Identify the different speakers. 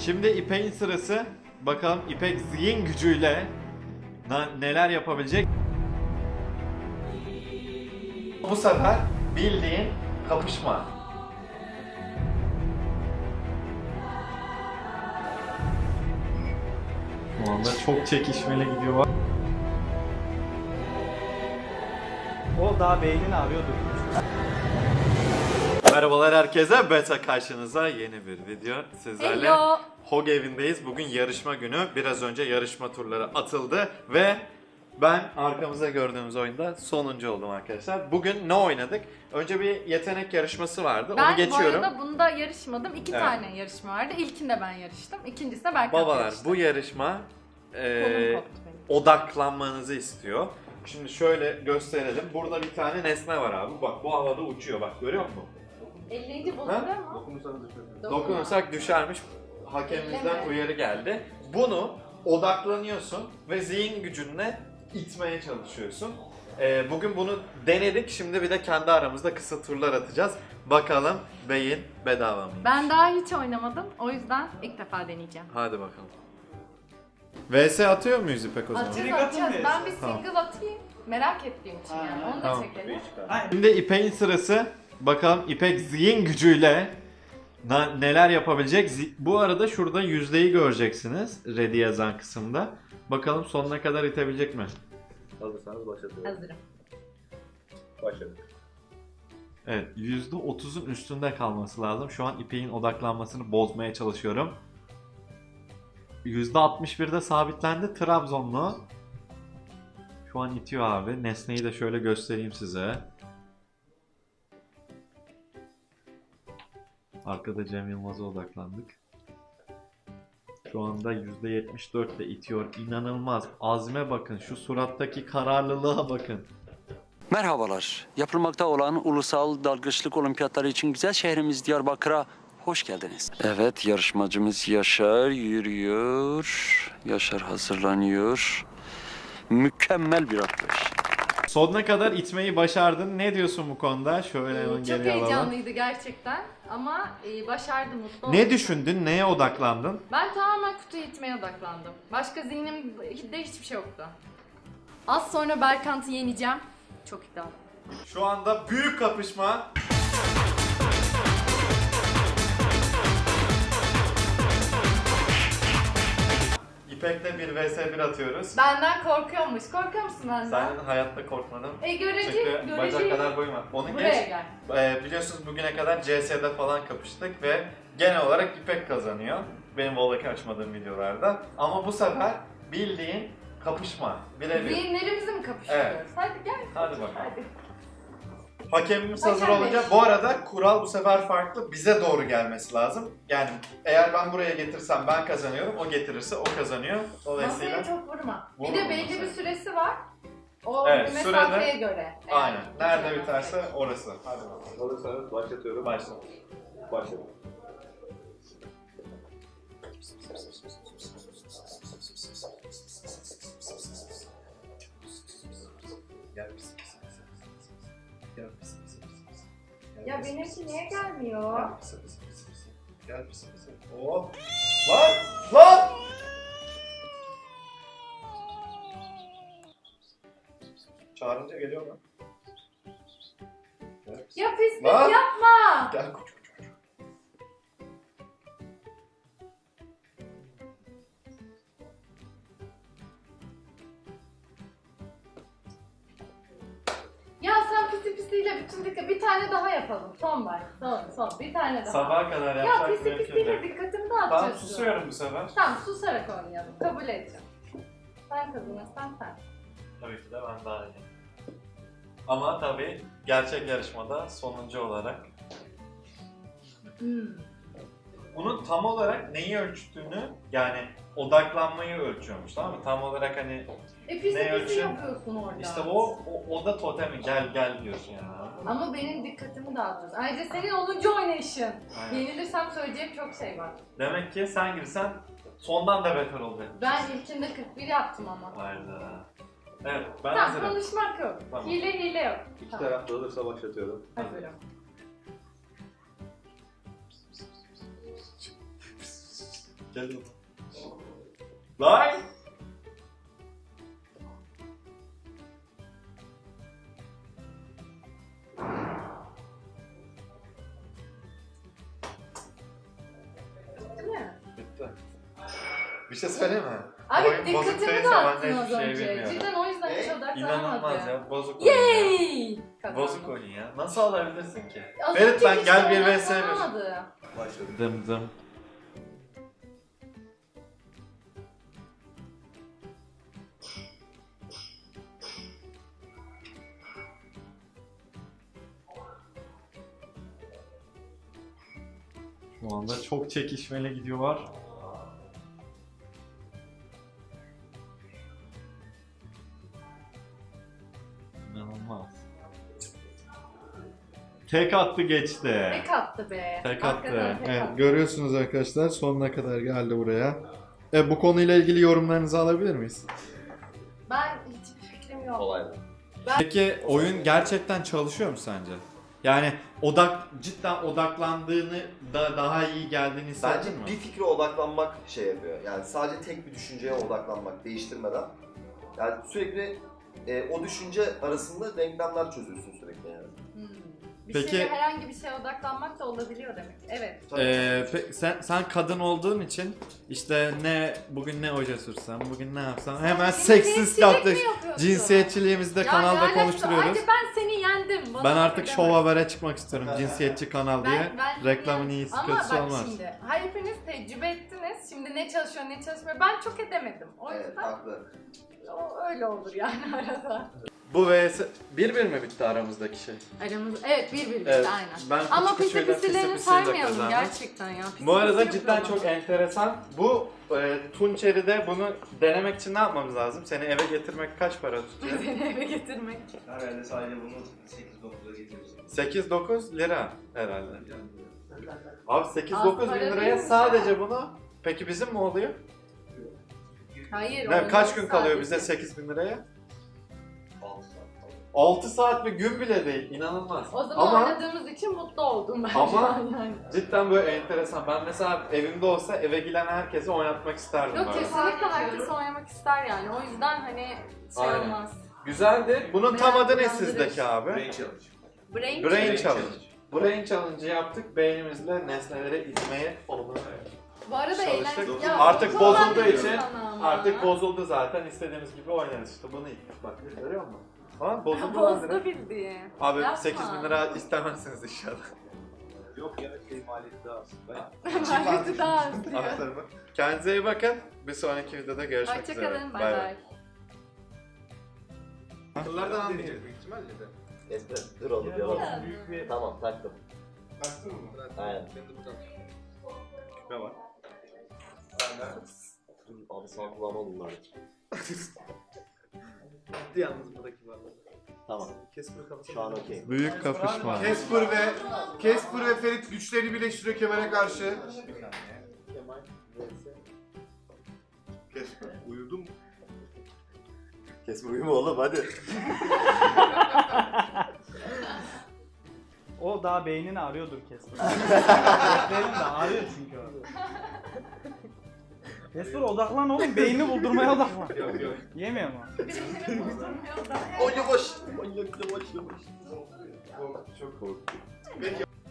Speaker 1: Şimdi İpek'in sırası. Bakalım İpek zihin gücüyle neler yapabilecek. Bu sefer bildiğin kapışma. Şu anda çok çekişmeli gidiyor.
Speaker 2: O daha beynini arıyordu.
Speaker 1: Merhabalar herkese. Beta karşınıza yeni bir video. Sizlerle
Speaker 3: Hello.
Speaker 1: Hog evindeyiz. Bugün yarışma günü. Biraz önce yarışma turları atıldı ve ben arkamızda gördüğümüz oyunda sonuncu oldum arkadaşlar. Bugün ne oynadık? Önce bir yetenek yarışması vardı. Onu geçiyorum.
Speaker 3: Bu arada bunda yarışmadım. İki
Speaker 1: Evet.
Speaker 3: tane yarışma vardı. İlkinde ben yarıştım. İkincisinde Berkant
Speaker 1: Babalar
Speaker 3: yarıştı.
Speaker 1: bu yarışma
Speaker 3: Kolum koptu benim.
Speaker 1: odaklanmanızı istiyor. Şimdi şöyle gösterelim. Burada bir tane nesne var abi. Bak bu havada uçuyor. Bak görüyor musun?
Speaker 3: 50. bozuluyor mu?
Speaker 1: Dokunursak düşermiş. Hakemimizden
Speaker 3: Elleme.
Speaker 1: uyarı geldi. Bunu odaklanıyorsun ve zihin gücünle itmeye çalışıyorsun. Bugün bunu denedik. Şimdi bir de kendi aramızda kısa turlar atacağız. Bakalım beyin bedava mı?
Speaker 3: Ben daha hiç oynamadım. O yüzden ilk defa deneyeceğim.
Speaker 1: Hadi bakalım. VS atıyor muyuz İpek o zaman?
Speaker 3: Atacağız.
Speaker 2: atın
Speaker 3: Ben bir
Speaker 1: Tamam.
Speaker 3: single atayım. Merak ettiğim için yani. Onu da
Speaker 1: Tamam.
Speaker 3: çekelim.
Speaker 1: Şimdi İpek'in sırası. Bakalım İpek zihin gücüyle neler yapabilecek. Bu arada şurada yüzdeyi göreceksiniz. Ready yazan kısımda. Bakalım sonuna kadar itebilecek mi?
Speaker 4: Hazırsanız başlatıyorum.
Speaker 3: Hazırım.
Speaker 4: Başladık.
Speaker 1: Evet, %30'un üstünde kalması lazım. Şu an İpek'in odaklanmasını bozmaya çalışıyorum. %61'de sabitlendi Trabzonlu. Şu an itiyor abi. Nesneyi de şöyle göstereyim size. Arkada Cem Yılmaz'a odaklandık. Şu anda %74 de itiyor. İnanılmaz. Azme bakın. Şu surattaki kararlılığa bakın.
Speaker 5: Merhabalar. Yapılmakta olan ulusal dalgıçlık olimpiyatları için güzel şehrimiz Diyarbakır'a hoş geldiniz. Evet, yarışmacımız Yaşar yürüyor. Yaşar hazırlanıyor. Mükemmel bir atlayış.
Speaker 1: Sonuna kadar itmeyi başardın. Ne diyorsun bu konuda? Şöyle hemen
Speaker 3: Çok
Speaker 1: geriye alalım.
Speaker 3: heyecanlıydı gerçekten. Ama başardım, mutlu oldum.
Speaker 1: Ne düşündün? Neye odaklandın?
Speaker 3: Ben tamamen kutuyu itmeye odaklandım. Başka zihnimde hiçbir şey yoktu. Az sonra Berkant'ı yeneceğim. Çok iddialı.
Speaker 1: Şu anda büyük kapışma. İpek'le bir vs 1 atıyoruz.
Speaker 3: Benden korkuyormuş. Korkuyor musun benden?
Speaker 1: Sen hayatta korkmadın.
Speaker 3: Göreceğiz,
Speaker 1: Bacak kadar boyum var. Onu
Speaker 3: Buraya
Speaker 1: geç.
Speaker 3: gel.
Speaker 1: Biliyorsunuz bugüne kadar CS'de falan kapıştık ve genel olarak İpek kazanıyor. Benim Volaki açmadığım videolarda. Ama bu sefer bildiğin kapışma. Birebir.
Speaker 3: Zihinlerimizi mi kapıştırıyoruz?
Speaker 1: Evet.
Speaker 3: Hadi gel.
Speaker 1: Hadi bakalım.
Speaker 3: Hadi.
Speaker 1: Hakemimiz hazır
Speaker 3: Hakem
Speaker 1: olunca,
Speaker 3: Bey.
Speaker 1: bu arada kural bu sefer farklı, bize doğru gelmesi lazım. Yani eğer ben buraya getirsem ben kazanıyorum, o getirirse o kazanıyor. Dolayısıyla
Speaker 3: Masaya çok vurma. Bir
Speaker 1: Vurma
Speaker 3: de belli
Speaker 1: masaya.
Speaker 3: bir süresi var. O
Speaker 1: Evet,
Speaker 3: mesafeye
Speaker 1: sürede-
Speaker 3: göre.
Speaker 1: aynen. Nerede
Speaker 3: Biterse.
Speaker 1: biterse orası. Hadi bakalım.
Speaker 4: Hazırsanız başlatıyorum.
Speaker 1: Başla.
Speaker 4: Başladım.
Speaker 1: Gel pis pis pis pis pis. Gel pis pis pis pis. Gel
Speaker 3: Ya
Speaker 1: pis
Speaker 3: benimki
Speaker 1: pis
Speaker 3: niye
Speaker 1: pis.
Speaker 3: gelmiyor?
Speaker 1: Gel pis pis pis pis. Gel pis pis pis. Oh. Lan! Lan! Çağırınca geliyor mu? Gel pis.
Speaker 3: Ya pis pis
Speaker 1: Lan!
Speaker 3: yapma.
Speaker 1: Gel koç koç koç.
Speaker 3: Ya sen pisi pisiyle bütün dikkat. Bir tane daha yapalım. Son var. Son. Bir tane daha.
Speaker 1: Sabaha kadar
Speaker 3: Ya
Speaker 1: yapsak
Speaker 3: pisi
Speaker 1: mümkün
Speaker 3: pisiyle
Speaker 1: değil.
Speaker 3: dikkatimi
Speaker 1: Tamam
Speaker 3: dağıtıyorsun.
Speaker 1: susuyorum bu sefer.
Speaker 3: Tamam susarak oynayalım. Kabul edeceğim. Sen kazanırsan sen.
Speaker 1: Tabii ki de ben daha iyi. Ama tabii gerçek yarışmada sonuncu olarak. Bunun tam olarak neyi ölçtüğünü, yani odaklanmayı ölçüyormuş, tamam mı? Tam olarak hani
Speaker 3: Pisi
Speaker 1: Ne
Speaker 3: pisi
Speaker 1: ölçüm?
Speaker 3: yapıyorsun orada.
Speaker 1: işte o da totemi, gel diyorsun yani.
Speaker 3: Ama benim dikkatimi dağıtıyorsun. Ayrıca senin 10. oynayışın.
Speaker 1: Aynen.
Speaker 3: Yenilirsem söyleyeceğim çok şey var.
Speaker 1: Demek ki sen girsen sondan da beter olacak.
Speaker 3: Ben ilkinde 41 yaptım ama.
Speaker 1: Hayda. Evet, ben
Speaker 3: Tamam
Speaker 1: hazırım.
Speaker 3: konuşmak yok.
Speaker 1: Tamam.
Speaker 3: Hile yok.
Speaker 4: İki
Speaker 3: Tamam.
Speaker 4: taraf da hazırsa başlatıyorum.
Speaker 3: Hazırım.
Speaker 1: Gel. Lan!
Speaker 3: Değil mi?
Speaker 1: Bitti. Bir şey söyleyeyim mi?
Speaker 3: Abi
Speaker 1: Oyun bozuk
Speaker 3: dikkatimi
Speaker 1: değilse ben
Speaker 3: dağıttın
Speaker 1: de
Speaker 3: az
Speaker 1: hiçbir şey
Speaker 3: önce.
Speaker 1: bilmiyorum.
Speaker 3: Cidden o yüzden hiç odaklanamadım.
Speaker 1: İnanılmaz ya. Bozuk oyun ya.
Speaker 3: Yay! Kazandım.
Speaker 1: Bozuk oyun ya. Nasıl alabilirsin ki?
Speaker 3: Az
Speaker 1: Ferit
Speaker 3: önce
Speaker 1: ben
Speaker 3: hiç
Speaker 1: gel bir vs
Speaker 3: odaklanamadım.
Speaker 4: Başladık.
Speaker 1: Dım dım. Şu anda çok çekişmeli gidiyorlar. İnanılmaz. Tek attı geçti.
Speaker 3: Tek attı be.
Speaker 1: Tek
Speaker 3: Hakikaten
Speaker 1: attı.
Speaker 3: tek
Speaker 1: Evet,
Speaker 3: attı.
Speaker 1: görüyorsunuz arkadaşlar sonuna kadar geldi buraya. Bu konuyla ilgili yorumlarınızı alabilir miyiz?
Speaker 3: Ben hiçbir fikrim yok.
Speaker 4: Kolaydı.
Speaker 1: Peki oyun gerçekten çalışıyor mu sence? Yani cidden odaklandığını daha iyi geldiğini
Speaker 6: Bence
Speaker 1: hissettin mi?
Speaker 6: bir fikre odaklanmak şey yapıyor. Yani sadece tek bir düşünceye odaklanmak, değiştirmeden. Yani sürekli o düşünce arasında denklemler çözüyorsun sürekli yani.
Speaker 3: Bir
Speaker 1: Peki-
Speaker 3: şeye, herhangi bir şeye odaklanmak da olabiliyor demek. Evet.
Speaker 1: Sen kadın olduğun için işte bugün ne oje sürsem, bugün ne yapsam hemen
Speaker 3: Cinsiyetçilik
Speaker 1: seksist
Speaker 3: mi
Speaker 1: yaklaşım.
Speaker 3: yapıyorsun?
Speaker 1: Cinsiyetçiliğimizi de
Speaker 3: Ya
Speaker 1: kanalda
Speaker 3: lanet olsun.
Speaker 1: konuşturuyoruz.
Speaker 3: Hadi ben seni yendim. Bana
Speaker 1: Ben
Speaker 3: öyle
Speaker 1: artık
Speaker 3: deme.
Speaker 1: Şov Haber'e çıkmak istiyorum. Cinsiyetçi kanal diye.
Speaker 3: Ben
Speaker 1: Reklamın
Speaker 3: yani-
Speaker 1: iyisi
Speaker 3: Ama
Speaker 1: kötüsü
Speaker 3: bak
Speaker 1: olmaz.
Speaker 3: şimdi hepiniz tecrübe ettiniz. Şimdi ne çalışıyor ne çalışmıyor. Ben çok edemedim. O
Speaker 6: Evet,
Speaker 3: yüzden
Speaker 6: haklı.
Speaker 3: öyle olur yani arada.
Speaker 1: Bu vs 1-1 mi bitti aramızdaki şey?
Speaker 3: Aramız evet bir bitti
Speaker 1: Evet,
Speaker 3: aynen.
Speaker 1: ben
Speaker 3: Ama
Speaker 1: küçük
Speaker 3: pisi
Speaker 1: küçüğüyle
Speaker 3: pisilerini
Speaker 1: pisi pisiyle
Speaker 3: saymayalım
Speaker 1: kazandım.
Speaker 3: gerçekten ya. Pisi
Speaker 1: Bu arada
Speaker 3: pisi
Speaker 1: cidden
Speaker 3: yapıyorum.
Speaker 1: çok enteresan. Bu Tunçeri'de bunu denemek için ne yapmamız lazım? Seni eve getirmek kaç para tutuyor?
Speaker 3: Seni eve getirmek.
Speaker 4: Herhalde sadece bunu 8-9'a getiririz.
Speaker 1: 8-9 lira herhalde. Abi
Speaker 3: Az
Speaker 1: 8-9 bin
Speaker 3: para
Speaker 1: liraya
Speaker 3: değilmiş
Speaker 1: sadece
Speaker 3: ha.
Speaker 1: bunu. Peki bizim mi oluyor?
Speaker 3: Hayır.
Speaker 1: Ne, kaç
Speaker 3: oynadık
Speaker 1: gün kalıyor bize
Speaker 3: sadece.
Speaker 1: 8 bin liraya?
Speaker 4: 6 saat falan.
Speaker 1: 6 saat bir gün bile değil. İnanılmaz.
Speaker 3: O zaman
Speaker 1: Ama
Speaker 3: oynadığımız için mutlu oldum ben.
Speaker 1: Ama-
Speaker 3: yani.
Speaker 1: cidden böyle enteresan. Ben mesela evimde olsa eve gelen herkese oynatmak isterdim
Speaker 3: Yok
Speaker 1: böyle.
Speaker 3: kesinlikle herkes oynamak ister yani. O yüzden hani şey
Speaker 1: Aynen.
Speaker 3: olmaz.
Speaker 1: Güzeldi. Bunun tam adı ne sizdeki abi?
Speaker 4: Brain challenge.
Speaker 3: Brain,
Speaker 1: Brain Challenge. Brain Challenge'ı yaptık. Beynimizle nesneleri itmeye onu.
Speaker 3: Bu arada
Speaker 1: Çalıştık.
Speaker 3: eğlenceli. Ya,
Speaker 1: Artık
Speaker 3: bu kolay
Speaker 1: bozulduğu
Speaker 3: değil
Speaker 1: için
Speaker 3: sana ama.
Speaker 1: Artık bozuldu zaten. İstediğimiz gibi oynarız işte. Bunu ittik bak. Görüyor musun? Tamam bozuldu lan direkt.
Speaker 3: Bozdu bildiğin.
Speaker 1: Abi
Speaker 3: Yapma.
Speaker 1: 8 bin lira istemezsiniz inşallah.
Speaker 4: Yok ya, maliyeti daha az.
Speaker 3: Maliyeti daha az diyor.
Speaker 1: Aktarımı. Kendinize iyi bakın. Bir sonraki videoda görüşmek üzere.
Speaker 3: Hoşçakalın. Bay bay.
Speaker 1: Akıllardan anlayacak büyük ihtimalle de.
Speaker 6: Esmer, dur oğlum yalan.
Speaker 3: Ya.
Speaker 2: Büyük bir
Speaker 6: Tamam, taktım.
Speaker 1: Baktın mı?
Speaker 6: Aynen.
Speaker 1: Küpe var.
Speaker 6: Dur abi sağ kulağıma bunlar.
Speaker 1: Yalnız buradaki var.
Speaker 6: Tamam. Şu an okey.
Speaker 1: Büyük kapışma.
Speaker 7: Casper ve Ferit güçlerini birleştiriyor Kemal'e karşı. Casper uyudun mu?
Speaker 6: Kesme uyuma oğlum hadi.
Speaker 2: o daha beynini arıyordur kesin. Beynin de arıyor çünkü o. Kesper odaklan oğlum, beynini buldurmaya odaklan.
Speaker 1: Yok yok.
Speaker 2: Yemiyor mu?
Speaker 6: O yavaş. O yavaş.
Speaker 1: Çok korktum.